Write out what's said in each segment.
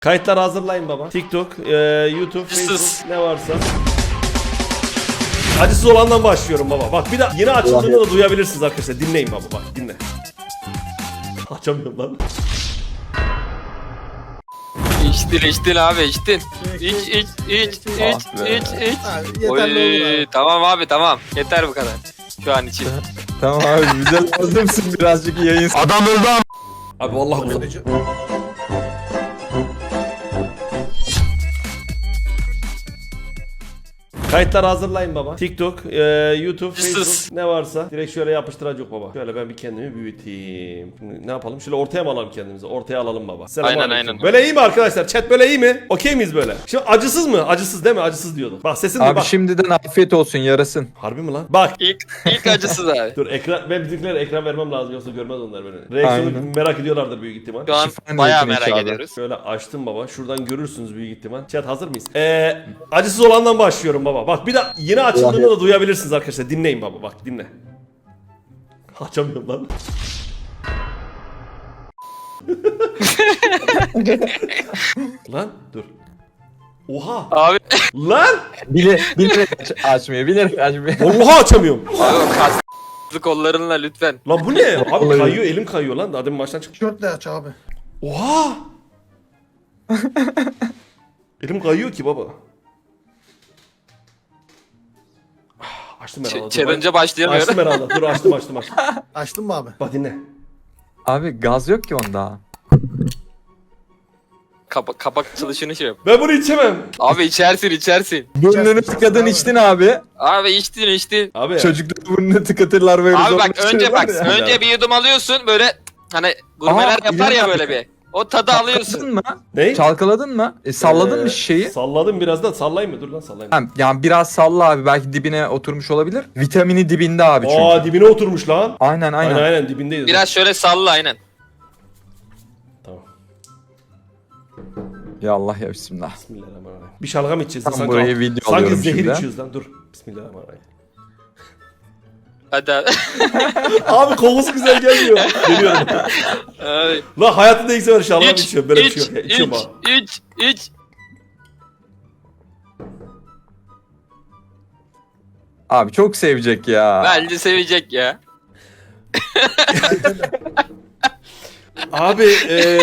Kayıtları hazırlayın baba. TikTok, YouTube, Facebook ne varsa. Acısız olandan başlıyorum baba. Bak bir de yeni açıldığını da duyabilirsiniz arkadaşlar. Dinleyin baba bak dinle. Açamıyorum lan. İçtin abi içtin. İç. Oy, tamam abi tamam. Yeter bu kadar. Şu an için. Tamam abi bize lazımsın birazcık yayın. Adam öldü ama. Abi vallahi uzak. Kayıtları hazırlayın baba. TikTok, YouTube, Facebook ne varsa direkt şöyle yapıştıracak baba. Şöyle ben bir kendimi büyüteyim. Şimdi ne yapalım? Şöyle ortaya mı alalım kendimizi? Ortaya alalım baba. Aynen. Böyle iyi mi arkadaşlar? Chat böyle iyi mi? Okey miyiz böyle? Şimdi acısız mı? Acısız değil mi? Acısız diyorduk. Bak sesin Abi bak. şimdiden afiyet olsun yarasın. Harbi mi lan? Bak. İlk acısız abi. Dur ekran, ben bizimkilere ekran vermem lazım yoksa görmez onlar beni. Reaksiyonu Aynen. merak ediyorlardır büyük ihtimal. Şu an Şifa bayağı niyetine merak abi. ediyoruz. Şöyle açtım baba. Şuradan görürsünüz büyük ihtimal. Chat hazır mıyız? Acısız olandan başlıyorum baba. Bak bir de yeni açıldığını da duyabilirsiniz arkadaşlar. Dinleyin baba bak dinle. Açamıyorum lan. Lan dur. Oha. Abi. Lan. Bilerek açmıyor bilerek açmıyor. Vallahi açamıyorum. Abi o kaslı kollarınla lütfen. Lan bu ne? Abi Vallahi. kayıyor elim kayıyor lan. Daha demin maçtan çıktı. Tişörtle aç abi. Oha. Elim kayıyor ki baba. Açtım herhalde. Challenge'a başlayamıyorum. Açtım herhalde. Dur açtım. Açtın mı abi? Bak dinle. Abi gaz yok ki onda. Kapak açılışını şey yap. Ben bunu içemem. Abi içersin. Burnunu tıkadın içtin abi. Abi içtin. Abi. Çocuklar burnunu tıkatırlar böyle. Abi zorla bak önce içiyorlar ya. önce bir yudum alıyorsun böyle hani gurmeler Aa, yapar ya İlhan böyle abi. bir. O tadı alıyorsun. Çalkaladın mı? Ne? Çalkaladın mı? Salladın mı şişeyi? Salladım biraz da sallayayım mı? Dur lan sallayayım. Ha, yani biraz salla abi belki dibine oturmuş olabilir. Vitamini dibinde abi çünkü. Aa dibine oturmuş lan. Aynen. Aynen dibindeydi. Biraz şöyle salla aynen. Tamam. Ya Allah ya bismillah. Bismillahirrahmanirrahim. Bir şalgam içeceğiz. Tam sanki, burayı video sanki alıyorum zehir şimdi. içiyoruz lan. Dur. Bismillahirrahmanirrahim. Hadi abi. Abi kokusu güzel gelmiyor. Geliyorum. Abi. Lan hayatımda ilk sefer şalgam İç, içiyorum. Böyle bir şey yok. Ya. İçiyorum abi. iç. Abi çok sevecek ya. Bence sevecek ya. Abi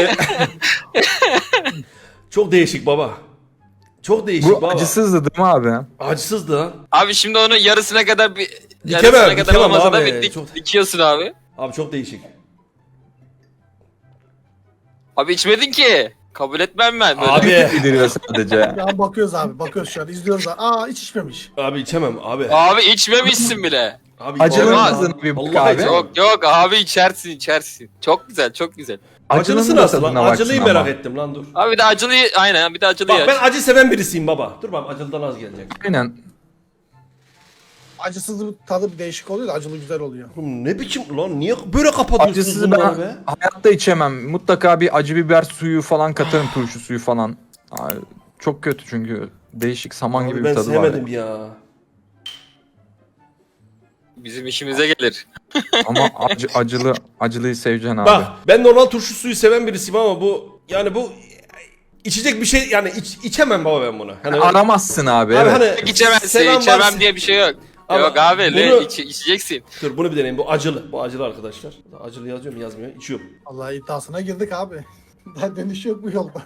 çok değişik baba. Çok değişik Bu baba. acısızdı değil mi abi? Acısızdı ha. Abi şimdi onu yarısına kadar Dikemem olmasa da abi. bir Çok- dikiyorsun abi. Abi çok değişik. Abi içmedin ki. Kabul etmem ben böyle. Abi. Bildiriyor sadece. Ya bakıyoruz abi. Bakıyoruz şu an. İzliyoruz abi. Aa hiç içmemiş. Abi içemem abi. Abi içmemişsin bile. Abi Acılı Olmaz. mısın bir Vallahi abi? içemem. Yok abi içersin. Çok güzel. Acılısı da nasıl lan? tadına baksın Acılıyı ama. merak ettim lan dur. Abi bir de acılıyı aynen bir de acılıyı Bak aç. ben acı seven birisiyim baba. Dur bak acılıdan az gelecek. Aynen. Acısız tadı bir değişik oluyor da acılı güzel oluyor. Oğlum ne biçim lan niye böyle kapatıyorsunuz Acısızı bunları ben be? hayatta içemem. Mutlaka bir acı biber suyu falan katarım, turşu suyu falan. Ay, çok kötü çünkü değişik saman Abi gibi ben bir tadı var. sevmedim ya. Bizim işimize gelir. Ama acılıyı seveceksin abi. Bak ben normal turşu suyu seven birisiyim ama bu yani bu içecek bir şey yani içemem baba ben bunu. Hani Aramazsın abi. Abi Evet. hani İçemezsin. seven İçemem varsa- diye bir şey yok. Ama Yok abi bunu- içeceksin. Dur bunu bir deneyim. Bu acılı. Bu acılı arkadaşlar. Acılı yazıyor mu yazmıyor. İçiyorum. Vallahi iddiasına girdik abi. Daha dönüş yok bu yolda.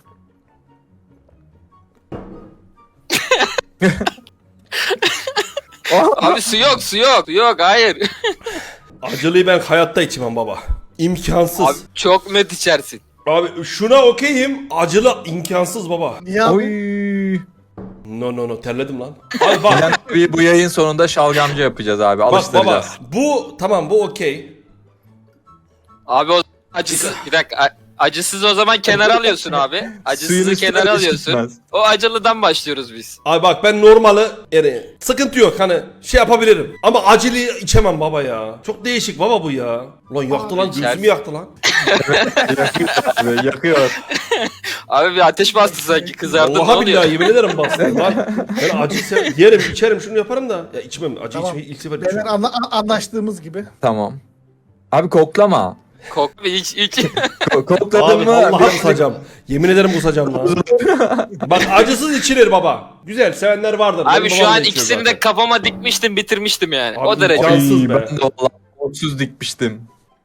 Abi su yok hayır. Acılıyı ben hayatta içmem baba. İmkansız. Abi çok net içersin. Abi şuna okeyim. Acılı imkansız baba. Niye abi? Oy. No terledim lan. Abi bak. Yani bu yayın sonunda şalgamcı yapacağız abi. Bak baba. Alıştıracağız. Bu tamam bu okey. Abi o acısız bir dakika acısız o zaman kenara alıyorsun abi. Suyun Acısızı üstüne kenara de alıyorsun. çıkmaz. O acılıdan başlıyoruz biz. Abi bak ben normalı yani sıkıntı yok hani şey yapabilirim. Ama acılıyı içemem baba ya. Çok değişik baba bu ya. Ulan yaktı lan gözümü içersin. yaktı lan. Abi, yakıyor. Abi bir ateş bastı sanki kızardın ne Vallahi oluyor? billahi yemin ederim bastım lan. Ben acı yerim içerim şunu yaparım da. Ya içmem acı Tamam. içmeyi ilk sefer Beyler içiyorum. anlaştığımız gibi. Tamam. Abi koklama. Kok iç. Kokladın Abi mı? vallahi kusacağım. Yemin ederim kusacağım lan. Bak acısız içilir baba. Güzel sevenler vardır. Abi Benim şu babam da an içiyor ikisini zaten. de kafama dikmiştim bitirmiştim yani. Abi O derece. imkansız be. Ben de valla koksuz dikmiştim.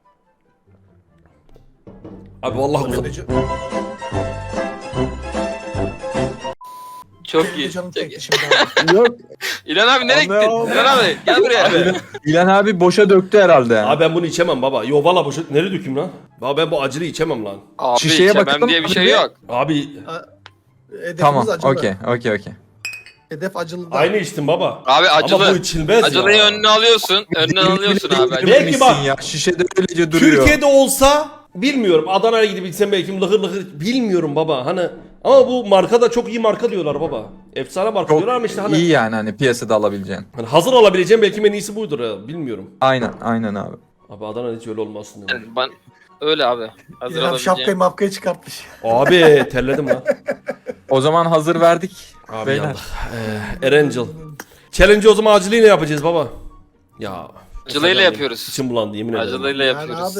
Abi vallahi kusacağım. Çok Benim de iyi. canım Çok iyi. çekti şimdi abi. Yok. İlhan abi nereye Anne gittin? abi. İlhan abi gel buraya. İlhan abi boşa döktü herhalde yani. Abi ben bunu içemem baba. Yo valla boşu nereye dökeyim lan? Ya ben bu acılı içemem lan. Abi Şişeye içemem bakalım diye bir abi. şey yok. Abi Hedefimiz Tamam, acılı. okey. Hedef acılı da. aynı içtim baba. Abi acılı. Ama bu içilmez Acılıyı ya. önüne alıyorsun. Önüne alıyorsun abi. Belki Belki bak- ya. Şişede öylece duruyor. Türkiye'de olsa bilmiyorum. Adana'ya gidip içsem belki lıhır lıhır bilmiyorum baba. Hani ama bu marka da çok iyi marka diyorlar baba. Efsane marka çok diyorlar ama işte hani, iyi yani hani piyasada alabileceğin. hani hazır alabileceğim belki en iyisi buydur ya. Bilmiyorum. Aynen abi. Abi Adana'da hiç öyle olmasın. Ya. Yani ben öyle abi. Hazır İlhan şapkayı olabileceğim. mapkayı çıkartmış. Abi terledim lan. O zaman hazır verdik. Abi Beyler. yandık. Erangel. Challenge'ı o zaman acılıyla yapacağız baba. Ya. Acılıyla yapıyoruz. İçim bulandı yemin ederim. Acılıyla Yani yapıyoruz. abi.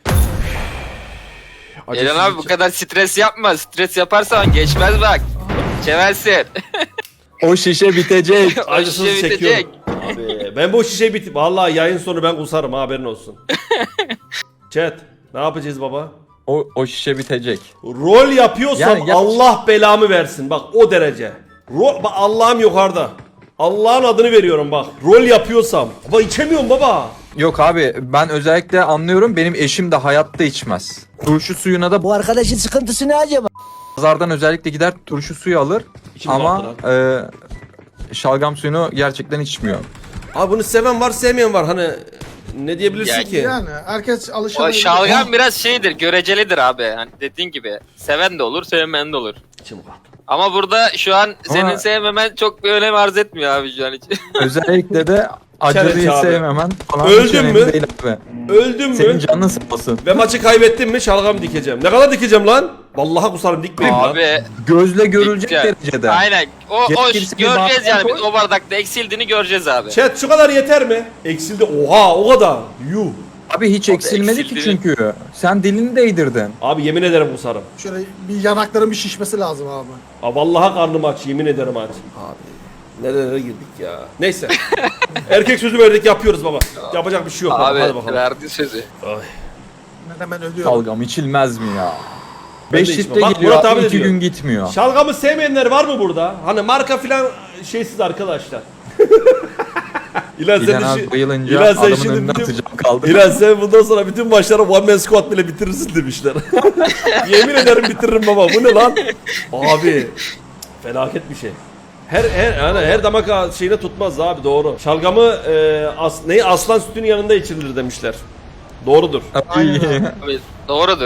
Acısız Eren abi bu hiç- kadar stres yapma. Stres yaparsan geçmez bak. Çeversin. O şişe bitecek. Acısız şişe çekiyorum. Abi ben bu şişeyi bit... Vallahi yayın sonu ben kusarım ha, haberin olsun. Chat ne yapacağız baba? O şişe bitecek. Rol yapıyorsam Yani yap- Allah belamı versin bak o derece. Bak Allah'ım yukarıda. Allah'ın adını veriyorum bak. Rol yapıyorsam. Baba içemiyorum baba. Yok abi ben özellikle anlıyorum benim eşim de hayatta içmez. Turşu suyuna da Bu arkadaşın sıkıntısı ne acaba? pazardan özellikle gider turşu suyu alır İçim ama rahatlar şalgam suyunu gerçekten içmiyor. Abi bunu seven var sevmeyen var hani ne diyebilirsin Ya- ki? Yani herkes O alışamadı. şalgam biraz şeydir, görecelidir abi. Hani dediğin gibi seven de olur, sevmeyen de olur. İçim rahat. Ama burada şu an senin Ama- sevmemen çok bir önem arz etmiyor abi şu an için. Özellikle de acılıyı Challenge abi. sevmemen falan Öldün hiç önemli mü? değil abi. Öldüm Senin mü? canın sağ olsun. Ve maçı kaybettim mi şalgam dikeceğim. Ne kadar dikeceğim lan? Vallahi kusarım dikmeyeyim lan. Abi Gözle görülecek dikeceğim. derecede. Aynen. O Gerekirse bir göreceğiz bardağa yani. koy. Biz o bardakta eksildiğini göreceğiz abi. Chat şu kadar yeter mi? Eksildi. Oha o kadar. Yuh. Abi hiç eksilmedi ki eksildi. çünkü. Sen dilini değdirdin. Abi yemin ederim kusarım. Şöyle bir yanakların bir şişmesi lazım abi. Aa, vallahi karnım aç. Yemin ederim aç. Abi nerelere girdik ya. Neyse. Erkek sözü verdik yapıyoruz baba. Yapacak bir şey yok. baba. Abi Hadi bakalım. verdi sözü. Ay. Ben hemen ölüyorum. Şalgam içilmez mi ya? Ben 5 de içmem. litre Bak, geliyor Murat abi abi de 2 diyor. gün gitmiyor. Şalgamı sevmeyenler var mı burada? Hani marka filan şeysiz arkadaşlar. İlan sen, İlhan işi- abi bayılınca İlan sen adamın şimdi önüne bütün- atacağım kaldı. İlan sen bundan sonra bütün maçları one man squat bile bitirirsin demişler. Yemin ederim bitiririm baba. Bu ne lan? Abi felaket bir şey. Her damak şeyine tutmaz abi doğru. Şalgamı aslan sütünün yanında içilir demişler. Doğrudur. Aynen abi. Abi, doğrudur.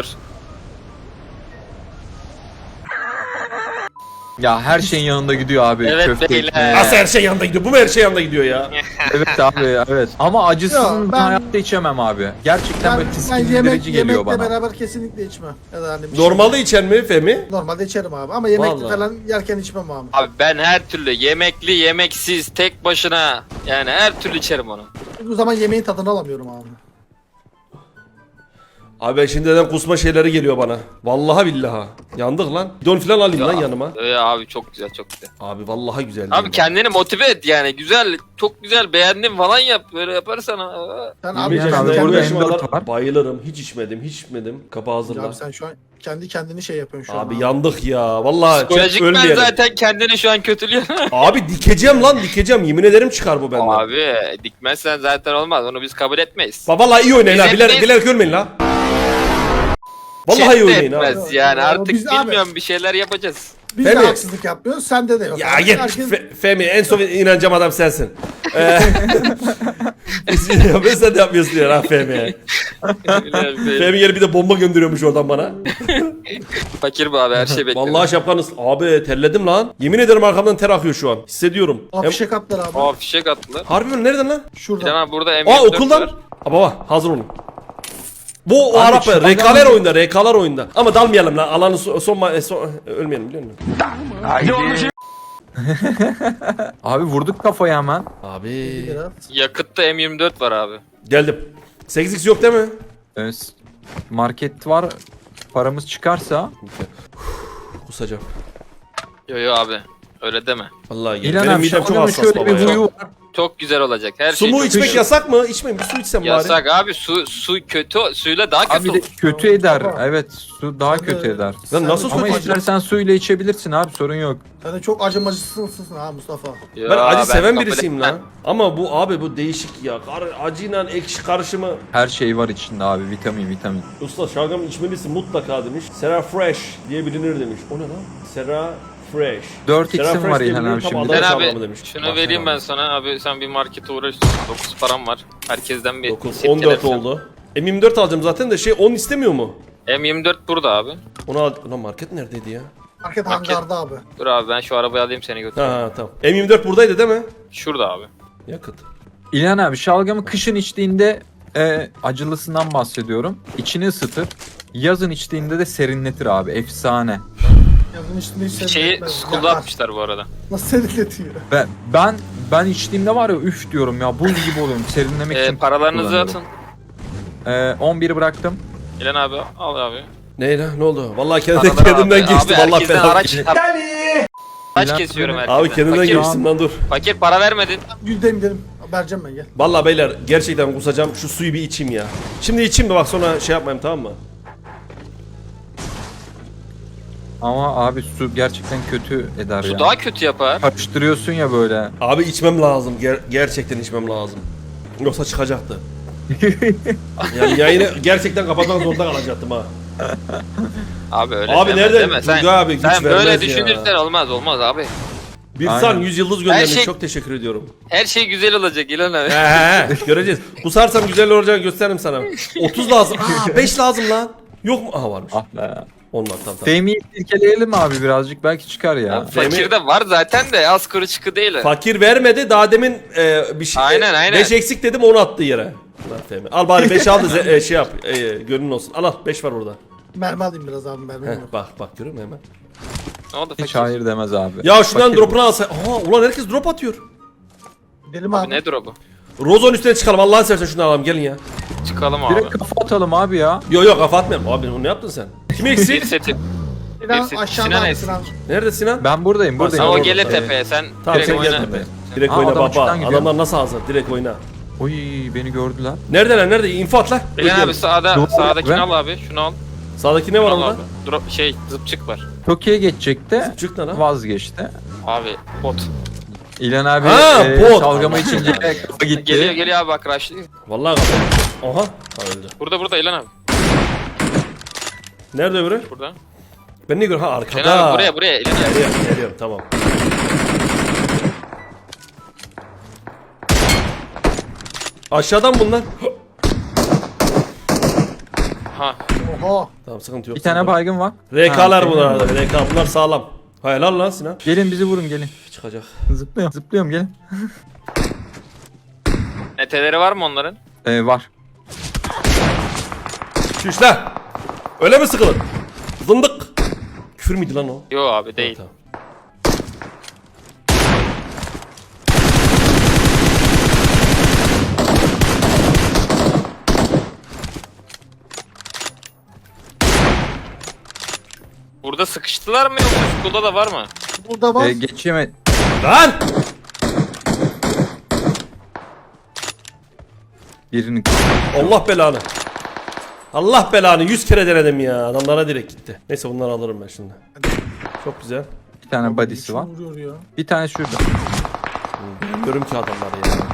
Ya her şeyin yanında gidiyor abi. Evet Köfte beyler. ekmeği. Nasıl her şey yanında gidiyor? Bu mu her şey yanında gidiyor ya? Evet abi evet. Ama acısını Ya, ben hayatta içemem abi. Gerçekten Ben, böyle ben tiskindirici geliyor yemekle bana. beraber kesinlikle içmem. Ya da hani bir şey- Normalde içen mi Femi? Normalde içerim abi ama yemekli Vallahi. falan yerken içmem abi. Abi ben her türlü yemekli, yemeksiz, tek başına yani her türlü içerim onu. Bu zaman yemeğin tadını alamıyorum abi. Abi ben şimdiden kusma şeyleri geliyor bana. Vallahi billahi. Yandık lan. Bidon falan alayım lan yanıma. Abi çok güzel, çok güzel. Abi vallahi güzel. Abi kendini motive et yani güzel, çok güzel beğendim falan yap. Böyle yaparsan Sen 25 abi, Yani yaşında abi, kendi, burada burada yaşıma M4 kadar var. bayılırım. Hiç içmedim. Kapağı hazırla. abi sen şu an kendi kendini şey yapıyorsun şu an. Abi yandık ya. Vallahi psikolojik çok ben ölmeyelim. zaten kendini şu an kötülüyorum. Abi dikeceğim lan dikeceğim. Yemin ederim çıkar bu benden. Abi dikmezsen zaten olmaz. Onu biz kabul etmeyiz. Vallahi iyi oynayın ha. Biz hep- Bilerek ölmeyin la. Vallahi iyi Chat de oynayın ha. etmez yani Abi, artık biz abi- bilmiyorum bir şeyler yapacağız. Biz Değil de mi? haksızlık yapmıyoruz. Sende de yok. Ya abi. git Herkes- Femi en son inanacağım adam sensin. Biz yapıyoruz sen de yapmıyorsun diyor ha Femi. Femi yeri bir de bomba gönderiyormuş oradan bana. Fakir bu abi her şey bekliyor. Vallahi şapkanız. Abi terledim lan. Yemin ederim arkamdan ter akıyor şu an. Hissediyorum. Abi fişek attılar abi. Aa fişek attılar. Harbi mi? Nereden lan? Şuradan. Canan burada Aa M24 okuldan. var. Aa baba hazır olun. Bu o Abi, Arap şu rekaler adam- oyunda, rekalar oyunda. Ama dalmayalım lan. Alanı son ölmeyelim biliyor musun? Abi vurduk kafayı hemen. Abi Biraz. Yakıtta M24 var abi. geldim. 8x yok değil mi? Ee, Market var. Paramız çıkarsa. Kusacağım. Yo abi. Öyle deme. Vallahi gel. İlhan Benim abi midem çok şalgamın hassas şöyle baba bir ya. huyu var. Çok güzel olacak. Her Su şey mu çok içmek güzel. yasak mı? İçmeyin. Bir su içsem bari. Yasak abi. Su kötü. Suyla daha kötü Abi de olur. kötü eder. Baba. Evet su daha Sen de- kötü eder. Lan nasıl Sen- Ama su istersen suyla içebilirsin abi sorun yok. Sen de çok acımacısın ha Mustafa. Yo, Ben acı seven kabul birisiyim etmem. lan. Ama bu abi bu değişik ya. Acıyla ekşi karışımı. Her şey var içinde abi vitamin. Usta şalgam içmelisin mutlaka demiş. Sera Fresh diye bilinir demiş. O ne lan? Sera Fresh. 4x'im Sera Fresh var diye İlhan bilinir, abi tam şimdi. Adana Sen şalgamı abi demiş. şunu Bak vereyim sen ben abi. sana abi sen bir markete uğraş. 9 param var. Herkesten bir 9, sip 14 telefon. oldu. M24 alacağım zaten de 10 istemiyor mu? M24 burada abi. Onu al. Ulan market neredeydi ya? Market Market. hangarda abi. Dur abi ben şu arabayı alayım seni götüreyim. Ha tamam. M24 buradaydı değil mi? Şurada abi. Yakıt. İlhan abi şalgamı kışın içtiğinde acılısından bahsediyorum. İçini ısıtır. Yazın içtiğinde de serinletir abi. Efsane. Yazın üstünde hiç Şeyi serinletmez. school'da Yakar. atmışlar bu arada. Nasıl serinletiyor? Ben içtiğimde var ya üf diyorum ya buz gibi oluyorum. Serinlemek için Paralarınızı kullanıyorum. atın. 11 bıraktım. İlan abi al abi. Ne oldu? Vallahi Paraları kendimden abi. geçtim. Abi Allah herkesten belanı. araç Kaç İlan kesiyorum abi. herkesten. Abi kendimden Fakir, geçtim lan dur. fakir para vermedin. Gidelim. Vereceğim ben gel. Vallahi beyler gerçekten kusacağım. Şu suyu bir içeyim ya. Şimdi içeyim de bak sonra şey yapmayayım tamam mı? Ama abi su gerçekten kötü eder Su ya. daha kötü yapar. Karıştırıyorsun ya böyle. Abi içmem lazım. Gerçekten içmem lazım. Yoksa çıkacaktı. Yani yayını gerçekten kapatmak zorunda kalacaktım ha. Abi öyle Abi deme, nereden deme. Sen, Turgay abi güç sen böyle vermez ya. düşünürsen olmaz abi. Bir Aynen. san 100 yıldız göndermiş. şey- Çok teşekkür ediyorum. Her şey güzel olacak İlan abi. He göreceğiz. Kusarsam güzel olacağını gösteririm sana. 30 lazım. 5 lazım lan. Yok mu? Aha varmış. Ah be. Onlar tamam. Fehmi'yi silkeleyelim abi birazcık belki çıkar ya. Fakirde var zaten de az kuru çıkı değil. Fakir vermedi. Daha demin bir şey. Aynen. 5 eksik dedim onu attı yere. Lan Fehmi. Al bari 5 al da şey yap. Gönlün olsun. Al 5 var orada. Mermi alayım biraz abi mermi Heh, yok. bak görüyor musun hemen? Ne oldu Hiç fakir? hayır demez abi. Ya şundan Fakir drop'unu alsa. Aha ulan herkes drop atıyor. Gidelim Abi abi. nedir o bu? Rozon üstüne çıkalım. Allah'ını seversen şunu alalım gelin ya. Çıkalım bu. abi. Direkt kafa atalım abi ya. Yok kafa atmayalım. Abi onu ne yaptın sen? Kim Bir eksik? seti. Sinan Sinan aşağıda abi eksik. Sinan. Nerede Sinan? Ben buradayım sen Ha, o orada. gele Tamam. tepeye sen Tamam direkt sen gel oyna. tepeye. Direkt Aa, oyna adam baba. uçtan gidiyor. Adamlar nasıl hazır? Direkt oyna. Oy beni gördüler. Neredeler? Nerede? İnfo at lan. İlan abi Bekliyorum. sağdakini Ben- al abi. Şunu al. Sağdaki ne var Şunu al orada? abi. Drop zıpçık var. Tokyo'ya geçecekti. Çık lan ha. Vazgeçti. Abi bot. İlhan abi Ha, bot. şalgamı içince kafa gitti. Geliyor abi bak rushlıyor. Vallahi kafa. Aha. Ha, öldü. Burada İlan abi. Nerede öbürü? Burada. Ben ne görüyorum? Ha İlan arkada. abi buraya İlan abi. Geliyorum tamam. Aşağıdan bunlar. Ha. Oha. Tamam sıkıntı yok. Bir tane baygın var. RK'lar Ha, bunlar arada. RK bunlar sağlam. Hayır lan Sinan. Gelin bizi vurun gelin. Çıkacak. Zıplıyorum gelin. Neteleri var mı onların? Var. Şuş lan. Öyle mi sıkılır? Zındık. Küfür müydü lan o? Yo abi değil. Tamam. Burada sıkıştılar mı yoksa school'da da var mı? Burada var. Geçemedi. Lan! Birinin Allah belanı. Allah belanı 100 kere denedim ya. Adamlara direkt gitti. Neyse bunları alırım ben şimdi. Çok güzel. bir tane body'si var. Vuruyor ya. Bir tane şurada. Görüyorum ki adamları ya.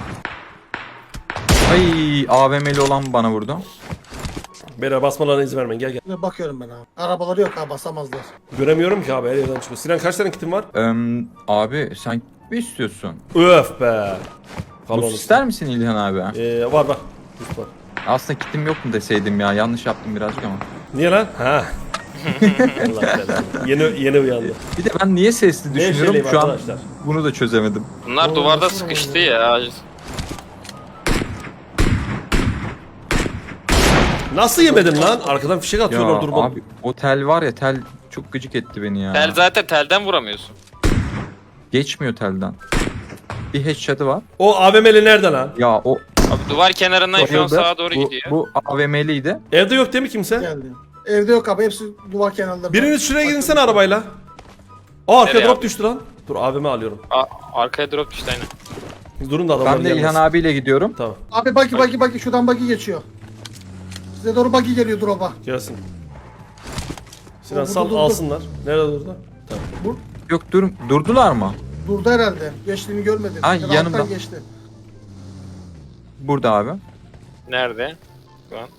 Ay AVM'li olan bana vurdu. Beyler basmalarına izin vermeyin gel. Yine bakıyorum ben abi. Arabaları yok ha basamazlar. Göremiyorum ki abi her yerden çıkıyor. Sinan kaç tane kitin var? Abi sen mi istiyorsun? Öf be. Buz ister misin İlhan abi? Var. Buz var. Aslında kitim yok mu deseydim ya. Yanlış yaptım birazcık ama. Niye lan? Ha. Allah belanı. Yeni uyandı. Bir de ben niye sesli düşünüyorum Nevşehirliyim şu an arkadaşlar. bunu da çözemedim. Bunlar Oo, duvarda nasıl sıkıştı oluyor? ya. Nasıl yemedin lan? Arkadan fişek Ya atıyorlar durmadan. abi o tel var ya tel çok gıcık etti beni ya. Tel zaten telden vuramıyorsun. Geçmiyor telden. Bir headshot'ı var. O AVM'li nerede lan? Ya o Abi duvar kenarından şu an Bayıldı. sağa doğru Bu- gidiyor. Bu AVM'liydi. Evde yok değil mi kimse? Geldi. Evde yok abi, hepsi duvar kenarlarında. Biriniz şuraya gidinsene arabayla. Aa arkaya Nereye drop abi? düştü lan. Dur abime alıyorum. Arkaya drop düştü aynen. Durun da adamlar Ben de İlhan gelmesin. abiyle gidiyorum. Tamam Abi buggy şuradan buggy geçiyor. Size doğru buggy geliyor drop'a. gelsin. Sinan Dur, sal dur, dur. alsınlar. Nerede durdu? Tamam. Yok durdular mı? Durdu herhalde. Geçtiğini görmedim. Ha, Ya da yanımda. alttan geçti. Burada abi. Nerede? Şu an.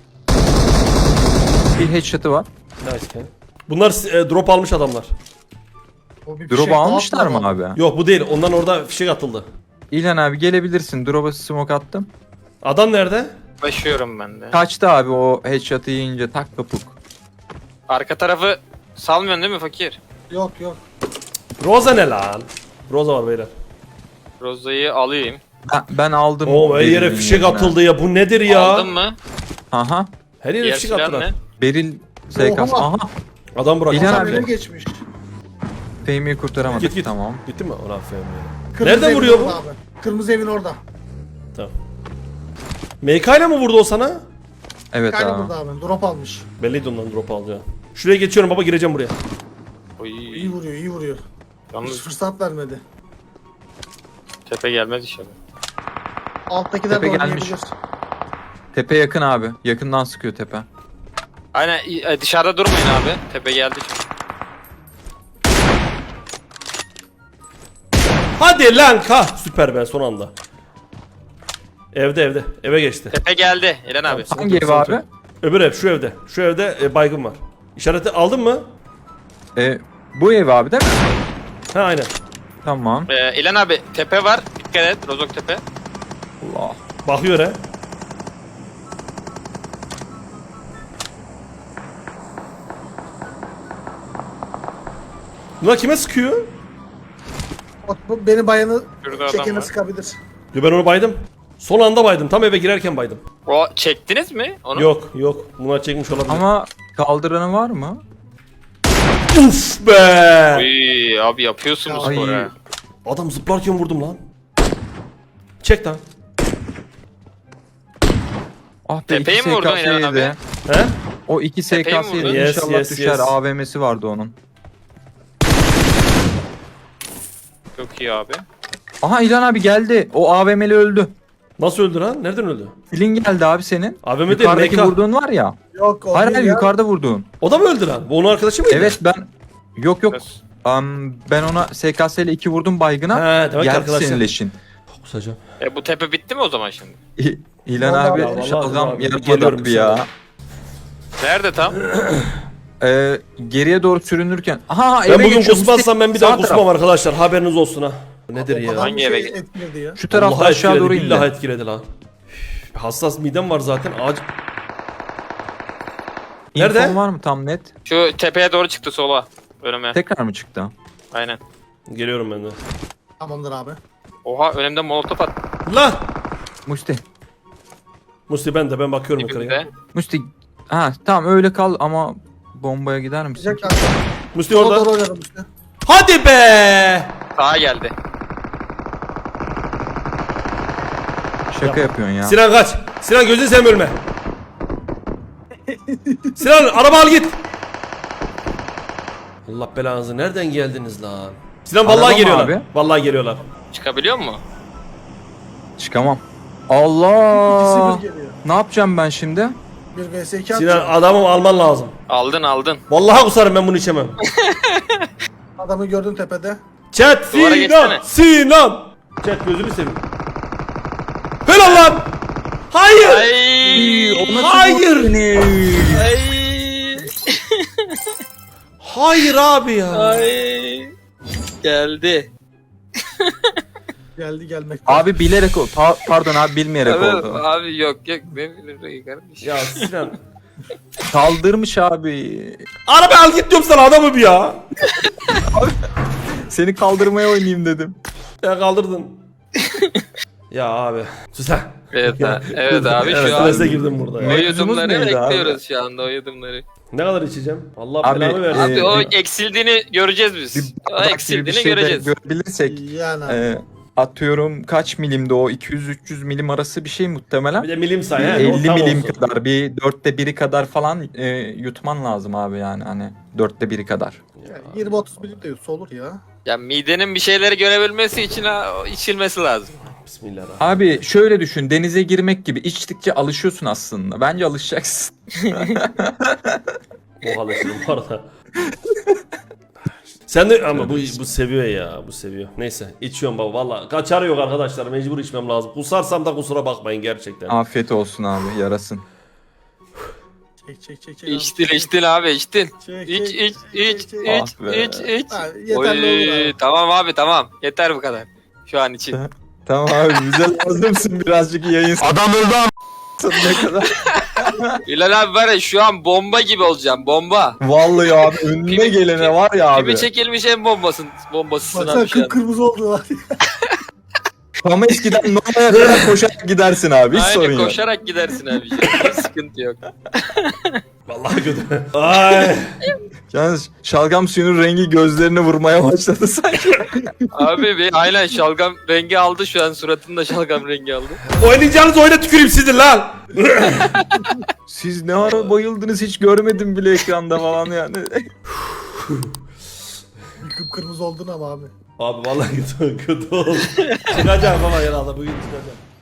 Bir headshot'ı var. Nice Ken. Bunlar drop almış adamlar. O bir Drop fişek almışlar daha mı atmadı. abi? Yok bu değil. Ondan orada fişek atıldı. İlhan abi gelebilirsin. Drop'a smoke attım. Adam nerede? Başlıyorum ben de. Kaçtı abi o headshot'ı yiyince tak kapuk. Arka tarafı salmıyorsun değil mi fakir? Yok. Roza ne lan? Roza var beyler. Rozayı alayım. Ben aldım. Oo her yere Beril'in fişek yerine. atıldı ya. Bu nedir ya? Aldın mı? Aha. Her yere Diğer fişek silah attılar. ne? Beril SKS. Oha. Aha. Adam bırak. İlhan Adam abi. öne geçmiş. Fehmi'yi kurtaramadık. Git git. Tamam. Gitti mi? Ulan Fehmi. Kırmızı Nereden evin vuruyor bu? orada Abi. Kırmızı evin orada. Tamam. MK ile mi vurdu o sana? Evet Kaydı abi. burada abi. Drop almış. Belliydi ondan drop alacağı. Şuraya geçiyorum baba gireceğim buraya. Oy. İyi vuruyor. Hiç Yalnız fırsat vermedi. tepe gelmez inşallah. Alttakiler de Tepe gelmiş. oynayabilir. Tepe yakın abi. Yakından sıkıyor tepe. Aynen dışarıda durmayın abi. Tepe geldi çünkü. Hadi lan ka. Süper be son anda. Evde. Eve geçti. Tepe geldi İlhan abi. Tamam. Hangi ev Sıkıntı abi? yok. Öbür ev şu evde. Şu evde baygın var. İşareti aldın mı? Bu ev abi değil mi? Ha aynen. Tamam. İlhan abi tepe var. Dikkat et Rozok tepe. Allah. Bakıyor he. Bunlar kime sıkıyor? Beni bayanı Şurada adam çekene var. sıkabilir. Yo ben onu baydım. Son anda baydım. Tam eve girerken baydım. O çektiniz mi onu? Yok. Bunlar çekmiş olabilir. Ama kaldıranı var mı? Uf be. Uy, abi yapıyorsunuz Ay. spor ha. Adam zıplarken vurdum lan. Çek lan. Ah be Tepeye iki mi vurdun SKS'ydi. İlhan abi? He? O iki Tepeye mi SKS'ydi. vurdun? Yes, İnşallah yes, düşer. yes. AVM'si vardı onun. Çok iyi abi. Aha İlhan abi geldi. O AVM'li öldü. Nasıl öldü lan? Nereden öldü? Filin geldi abi senin. AVM değil Yukarıdaki MK. vurduğun var ya. Yok o Hayır değil hayır ya. yukarıda vurduğun. O da mı öldü lan? Bu onun arkadaşı mıydı? Evet ben... Yok. Biraz- Ben ona SKS ile 2 vurdum baygına. He demek ki Geldi arkadaşlar. senin leşin. Kusacağım. Bu tepe bitti mi o zaman şimdi? İlhan Vallahi abi ya, vallahi şalgam abi, yarıp geliyorum adaptı ya. Nerede tam? Geriye doğru sürünürken. Aha Ben eve bugün geçiyor, kusmazsam ben bir daha sağ taraf. kusmam arkadaşlar. Haberiniz olsun ha. Bu nedir O ya? kadar Hangi bir eve şey git- etkiledi ya. Şu tarafta Vallahi aşağı etkiledi, doğru indi. billahi etkiledi lan. Hassas midem var zaten. Ağaç... Nerede? İnfon var mı tam net? Şu tepeye doğru çıktı sola. Önüme. Tekrar mı çıktı? Aynen. Geliyorum ben de. Tamamdır abi. Oha önümde molotof at. Lan! Musti. Musti ben bakıyorum yukarıya. Dibimde. Musti. Ha tamam öyle kal ama bombaya gider misin? Sıcak abi. Musti Orada orada. oynarım işte. Hadi be! Sağa geldi. Şaka yapıyorsun ya. Sinan kaç. Sinan gözünü seveyim ölme. Sinan araba al git. Allah belanızı nereden geldiniz lan? Sinan Araba vallahi mı geliyorlar. abi? Vallahi geliyorlar. Çıkabiliyor mu? Çıkamam. İkisi Allah. bir geliyor. Ne yapacağım ben şimdi? Bir vs 2 Sinan atacak. adamı alman lazım. Aldın. Vallahi kusarım ben bunu içemem. Adamı gördün tepede. Chat Duvara Sinan. geçsene. Sinan. Chat gözünü seveyim. Helal lan. Hayır. Ay. Hayır. Ay. Hayır abi ya. Ay. Geldi. Geldi gelmekte. Abi bilerek oldu. Pardon abi bilmeyerek Abi, oldu. abi yok benim bildiğim kardeşim. Ya Sinan. Kaldırmış abi. Araba al git diyorum sana adamı bir ya. Seni kaldırmaya oynayayım dedim. Ya kaldırdın. Ya abi. Sus ha. Evet abi Evet, şu an strese girdim burada ya. o Mevzumuz yudumları neydi abi? bekliyoruz şu anda o yudumları. Ne kadar içeceğim? Allah Abi, belamı versin. Abi o bir- eksildiğini göreceğiz biz. O Bardak gibi bir eksildiğini şey de göreceğiz. görebilirsek. Yani abi. atıyorum kaç milimde o 200-300 milim arası bir şey muhtemelen. Bir de milim say he. 50 tam milim olsun. kadar bir 1/4 kadar falan yutman lazım abi yani hani 1/4 kadar. Yani 20-30 milim de yutsa olur ya. Ya midenin bir şeyleri görebilmesi için içilmesi lazım. Bismillahirrahmanirrahim. Abi şöyle düşün, denize girmek gibi içtikçe alışıyorsun aslında. Bence alışacaksın. O alışırım bu arada. Sen de ama bu seviyor ya, bu seviyor. Neyse içiyorum baba valla. Kaçarı yok arkadaşlar, mecbur içmem lazım. Kusarsam da kusura bakmayın gerçekten. Afiyet olsun abi, yarasın. Çek. İçtin abi içtin. Çek, İç çek, iç çek, iç çek. Ah be. iç. Ha, yeterli olur abi. Tamam abi tamam. Yeter bu kadar. Şu an için. Tamam abi, bize lazımsın birazcık yayın. Adam öldü ne kadar. Bilal abi var ya şu an bomba gibi olacağım bomba. Vallahi abi önüne gelene var ya abi. Gibi çekilmiş en bombasısın Baksana abi şu an. kıpkırmızı oldu var. Ama eskiden Nova'ya kadar koşarak gidersin abi, hiç sorun Aynen yok. koşarak gidersin abi. Hiç sıkıntı yok. Vallahi kötü. Ay. Yalnız şalgam suyunun rengi gözlerine vurmaya başladı sanki. Abi aynen şalgam rengi aldı şu an suratında şalgam rengi aldı. Oynayacağınız oyuna tüküreyim sizin lan. Siz ne ara bayıldınız hiç görmedim bile ekranda falan yani. Kıpkırmızı oldun ama abi. Abi vallahi kötü oldu. Çıkacağım ama herhalde bugün çıkacağım.